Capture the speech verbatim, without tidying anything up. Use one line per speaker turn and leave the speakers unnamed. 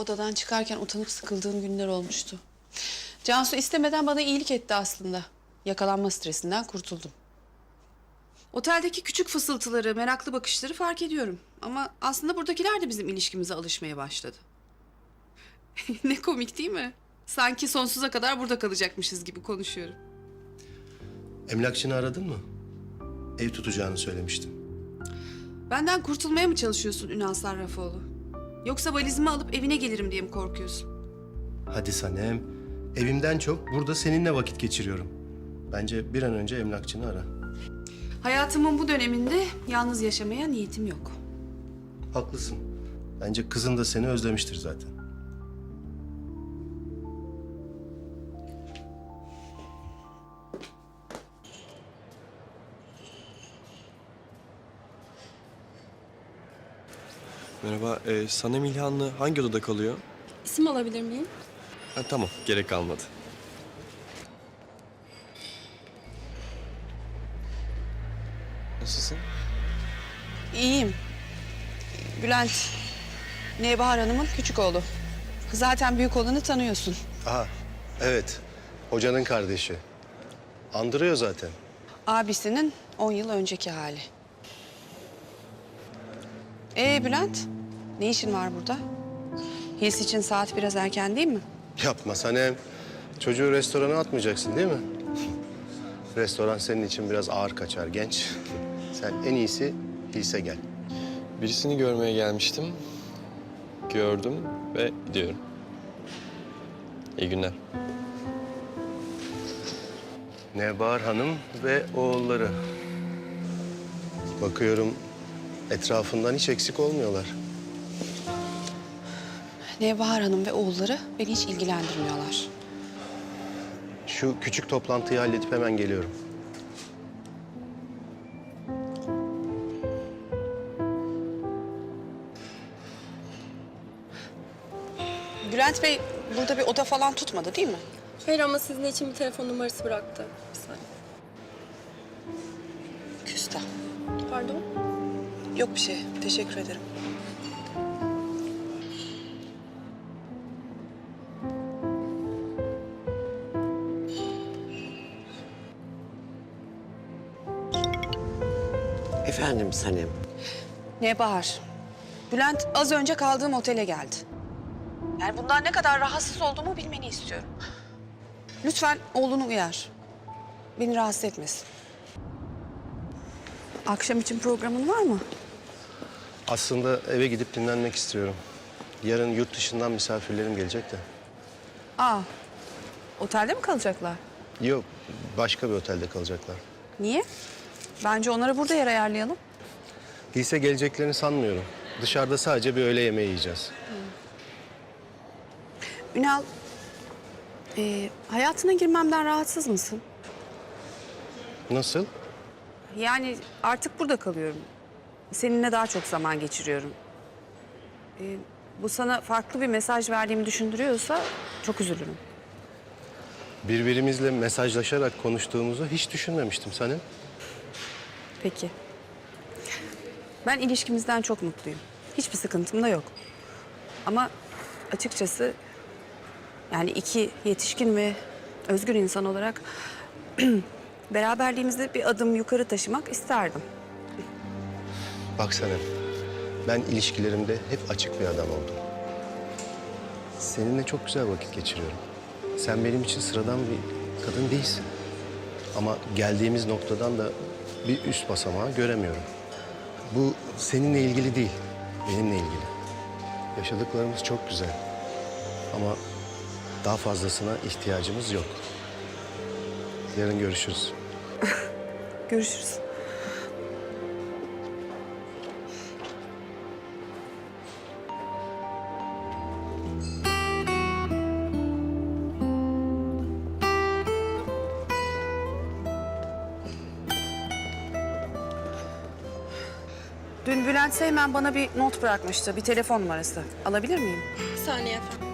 odadan çıkarken utanıp sıkıldığım günler olmuştu. Cansu istemeden bana iyilik etti aslında. Yakalanma stresinden kurtuldum. Oteldeki küçük fısıltıları, meraklı bakışları fark ediyorum. Ama aslında buradakiler de bizim ilişkimize alışmaya başladı. Ne komik değil mi? Sanki sonsuza kadar burada kalacakmışız gibi konuşuyorum.
Emlakçını aradın mı? Ev tutacağını söylemiştim.
Benden kurtulmaya mı çalışıyorsun Ünal Sarrafoğlu? Yoksa valizimi alıp evine gelirim diye mi korkuyorsun?
Hadi Sanem. Evimden çok burada seninle vakit geçiriyorum. Bence bir an önce emlakçını ara.
Hayatımın bu döneminde yalnız yaşamaya niyetim yok.
Haklısın. Bence kızın da seni özlemiştir zaten.
Merhaba, ee, Sanem İlhanlı hangi odada kalıyor?
İsim alabilir miyim?
Ha, tamam, gerek kalmadı. Nasılsın?
İyiyim. Bülent, Nebahar Hanım'ın küçük oğlu. Zaten büyük olanı tanıyorsun.
Aha, evet. Hocanın kardeşi. Andırıyor zaten.
Abisinin on yıl önceki hali. Ee Bülent, ne işin var burada? Hils için saat biraz erken değil mi?
Yapma Sanem. Çocuğu restorana atmayacaksın değil mi? Restoran senin için biraz ağır kaçar genç. Sen en iyisi Hils'e gel.
Birisini görmeye gelmiştim. Gördüm ve gidiyorum. İyi günler.
Nebahar Hanım ve oğulları. Bakıyorum etrafından hiç eksik olmuyorlar.
Nebahar Hanım ve oğulları beni hiç ilgilendirmiyorlar.
Şu küçük toplantıyı halledip hemen geliyorum.
Bülent Bey burada bir oda falan tutmadı değil mi?
Hayır ama sizin için bir telefon numarası bıraktı. Bir saniye.
Küstah.
Pardon?
Yok bir şey. Teşekkür ederim.
Efendim Sanem.
Nebahar, Bülent az önce kaldığım otele geldi. Yani bundan ne kadar rahatsız olduğumu bilmeni istiyorum. Lütfen oğlunu uyar. Beni rahatsız etmesin. Akşam için programın var mı?
Aslında eve gidip dinlenmek istiyorum. Yarın yurt dışından misafirlerim gelecek de.
Aa, otelde mi kalacaklar?
Yok, başka bir otelde kalacaklar.
Niye? Bence onlara burada yer ayarlayalım.
Hils'e geleceklerini sanmıyorum. Dışarıda sadece bir öğle yemeği yiyeceğiz.
Ünal, e, hayatına girmemden rahatsız mısın?
Nasıl?
Yani artık burada kalıyorum. Seninle daha çok zaman geçiriyorum. E, bu sana farklı bir mesaj verdiğimi düşündürüyorsa çok üzülürüm.
Birbirimizle mesajlaşarak konuştuğumuzu hiç düşünmemiştim Sanem.
Peki. Ben ilişkimizden çok mutluyum. Hiçbir sıkıntım da yok. Ama açıkçası yani iki yetişkin ve özgür insan olarak beraberliğimizi bir adım yukarı taşımak isterdim.
Bak Sanem, ben ilişkilerimde hep açık bir adam oldum. Seninle çok güzel vakit geçiriyorum. Sen benim için sıradan bir kadın değilsin. Ama geldiğimiz noktadan da bir üst basamağı göremiyorum. Bu seninle ilgili değil, benimle ilgili. Yaşadıklarımız çok güzel. Ama daha fazlasına ihtiyacımız yok. Yarın görüşürüz.
Görüşürüz. Dün Bülent Seymen bana bir not bırakmıştı, bir telefon numarası. Alabilir miyim?
Bir saniye efendim.